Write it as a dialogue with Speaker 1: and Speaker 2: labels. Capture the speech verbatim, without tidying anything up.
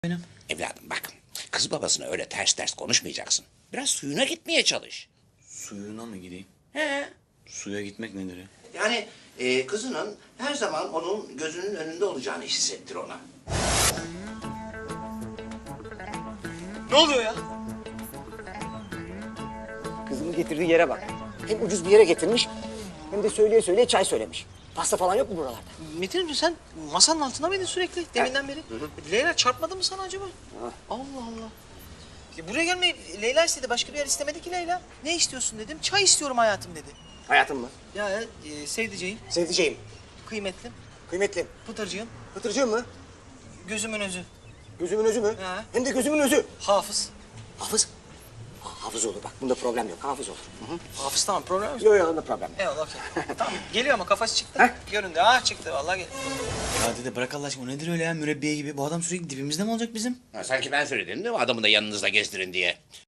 Speaker 1: Benim.
Speaker 2: Evladım bak, kız babasına öyle ters ters konuşmayacaksın. Biraz suyuna gitmeye çalış.
Speaker 1: Suyuna mı gideyim?
Speaker 2: He.
Speaker 1: Suya gitmek nedir ya?
Speaker 2: Yani e, kızının her zaman onun gözünün önünde olacağını hissettir ona.
Speaker 3: Ne oluyor ya?
Speaker 4: Kızımı getirdiği yere bak. Hem ucuz bir yere getirmiş hem de söyleye söyleye çay söylemiş. Pasta falan yok mu buralarda?
Speaker 3: Metin'im sen masanın altında mıydın sürekli deminden beri? Leyla çarpmadı mı sana acaba? Allah Allah. Ya buraya gelmeyi Leyla istedi. Başka bir yer istemedi ki Leyla. Ne istiyorsun dedim. Çay istiyorum hayatım dedi.
Speaker 4: Hayatım mı?
Speaker 3: Ya e, sevdiceğim,
Speaker 4: Sevdiceğim,
Speaker 3: kıymetlim,
Speaker 4: kıymetlim,
Speaker 3: pıtırcığım,
Speaker 4: pıtırcığım mı?
Speaker 3: gözümün özü,
Speaker 4: Gözümün özü mü?
Speaker 3: He.
Speaker 4: Hem de gözümün özü.
Speaker 3: hafız.
Speaker 4: Hafız. Ha, hafız olur bak. Bunda problem yok. Hafız olur. Hı hı.
Speaker 3: Hafız tamam problem yok.
Speaker 4: Yok yok onda problem yok.
Speaker 3: Eyvallah okey. Tamam geliyor ama kafası çıktı. Göründü. Ha çıktı vallahi gel.
Speaker 1: Ya dede bırak Allah aşkına o nedir öyle ya mürebbiye gibi? Bu adam sürekli dibimizde mi olacak bizim?
Speaker 2: Ha, sanki ben söyledim değil mi adamı da yanınızda gezdirin diye.